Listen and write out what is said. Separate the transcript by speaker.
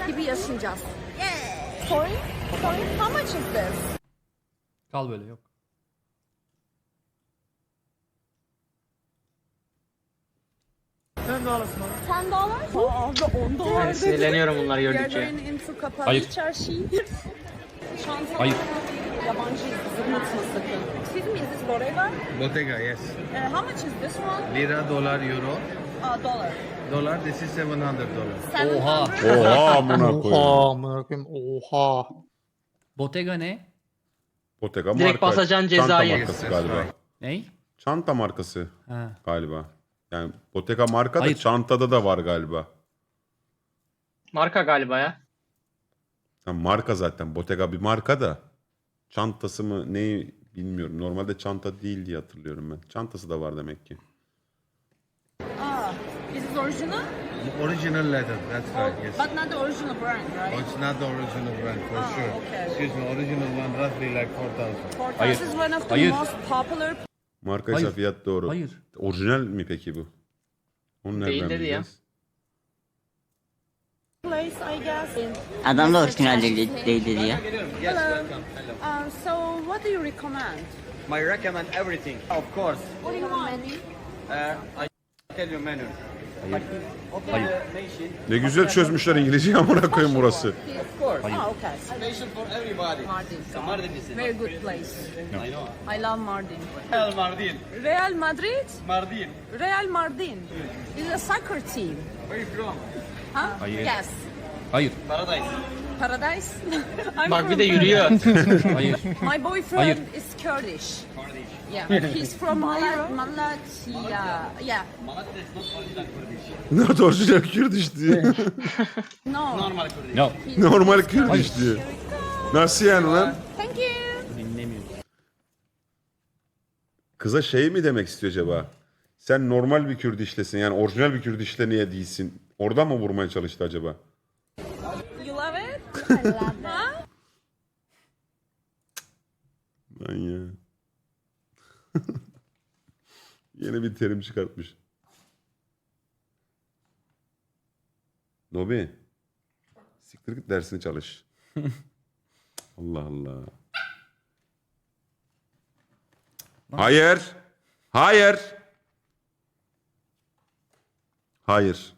Speaker 1: gibi yaşayacağız. Yeah. Sorry? How much is this?
Speaker 2: Kal böyle yok.
Speaker 1: $10? Abi $10 dedi.
Speaker 3: Sinirleniyorum bunları gördükçe.
Speaker 1: You're going into kapalı
Speaker 2: Hayır.
Speaker 1: çarşı. Çanta.
Speaker 2: Hayır.
Speaker 1: Yabancıyız. Zırnatma sakın. Excuse me, is this Bottega?
Speaker 4: Bottega, yes.
Speaker 1: How much is this one?
Speaker 4: Lira, dollar, euro.
Speaker 1: Dollar.
Speaker 4: Dollar, this is $700.
Speaker 2: Oha.
Speaker 1: 700?
Speaker 5: Oha amına koyayım.
Speaker 6: Oha amına koyayım. Oha.
Speaker 2: Bottega ne?
Speaker 5: Bottega
Speaker 3: Direkt
Speaker 5: marka.
Speaker 3: basacaksın
Speaker 5: Çanta
Speaker 3: cezayı.
Speaker 5: markası
Speaker 4: Yes,
Speaker 5: galiba.
Speaker 4: that's right.
Speaker 2: Ney?
Speaker 5: Çanta markası
Speaker 2: Ha.
Speaker 5: galiba. Yani Bottega marka da
Speaker 2: Hayır.
Speaker 5: çantada da var galiba.
Speaker 3: Marka galiba ya.
Speaker 5: Yani marka zaten. Bottega bir marka da. Çantası mı neyi bilmiyorum. Normalde çanta değil diye hatırlıyorum ben. Çantası da var demek ki.
Speaker 1: Is it original?
Speaker 4: Original leather, that's right, yes.
Speaker 1: But not the original brand,
Speaker 4: Oh,
Speaker 1: right?
Speaker 4: it's not the original brand, for sure.
Speaker 1: okay.
Speaker 4: Excuse me, original one roughly like 4,000.
Speaker 2: Hayır.
Speaker 1: This is one of the
Speaker 2: Hayır.
Speaker 1: most popular
Speaker 5: Markaysa
Speaker 2: Hayır.
Speaker 5: fiyat doğru.
Speaker 2: Hayır.
Speaker 5: Orijinal mi peki bu? Onu nereden
Speaker 3: Değil dedi ya.
Speaker 5: bileceğiz?
Speaker 1: place, I guess.
Speaker 7: Adam da orijinal değil dedi ya.
Speaker 1: Hello. So what do you recommend?
Speaker 8: I recommend everything. Of course.
Speaker 1: What do you want?
Speaker 8: I tell you menu. Open
Speaker 2: Hayır.
Speaker 8: the nation.
Speaker 5: Ne güzel çözmüşler İngilizceyi amına koyayım burası.
Speaker 8: Of course.
Speaker 1: Oh, okay.
Speaker 8: Nation for everybody.
Speaker 1: Mardin.
Speaker 8: Mardin is it?
Speaker 1: Very good place.
Speaker 8: I know.
Speaker 1: I love Mardin.
Speaker 8: Real Mardin.
Speaker 1: Real Madrid?
Speaker 8: Mardin.
Speaker 1: Real Mardin. Is a soccer team.
Speaker 8: Where you from?
Speaker 1: Huh?
Speaker 2: Hayır.
Speaker 1: Yes.
Speaker 2: Hayır.
Speaker 8: Paradise.
Speaker 1: Paradise? I'm
Speaker 3: Bak
Speaker 1: from
Speaker 3: bir de
Speaker 1: Paradise.
Speaker 3: yürüyor.
Speaker 2: Hayır.
Speaker 1: My boyfriend
Speaker 2: Hayır.
Speaker 1: is Kurdish.
Speaker 8: Kurdish.
Speaker 1: Yeah, he's from Malatya. Yeah.
Speaker 8: Malatya is not original Kurdish.
Speaker 5: Ne orijinal Kürdiş diye.
Speaker 1: No.
Speaker 8: Normal Kurdish.
Speaker 2: No.
Speaker 5: Normal Kürdiş diye. Nasıl yani lan?
Speaker 1: Thank you.
Speaker 2: Dinlemiyorum.
Speaker 5: Kıza şey mi demek istiyor acaba? Sen normal bir Kürdişlesin yani orijinal bir Kürdişle niye değilsin? Oradan mı vurmaya çalıştı acaba?
Speaker 1: You love it? I love it. Huh?
Speaker 5: Lan ya. Yeni bir terim çıkartmış. Nobi. Siktir git dersini çalış. Allah Allah. Hayır. Hayır. Hayır.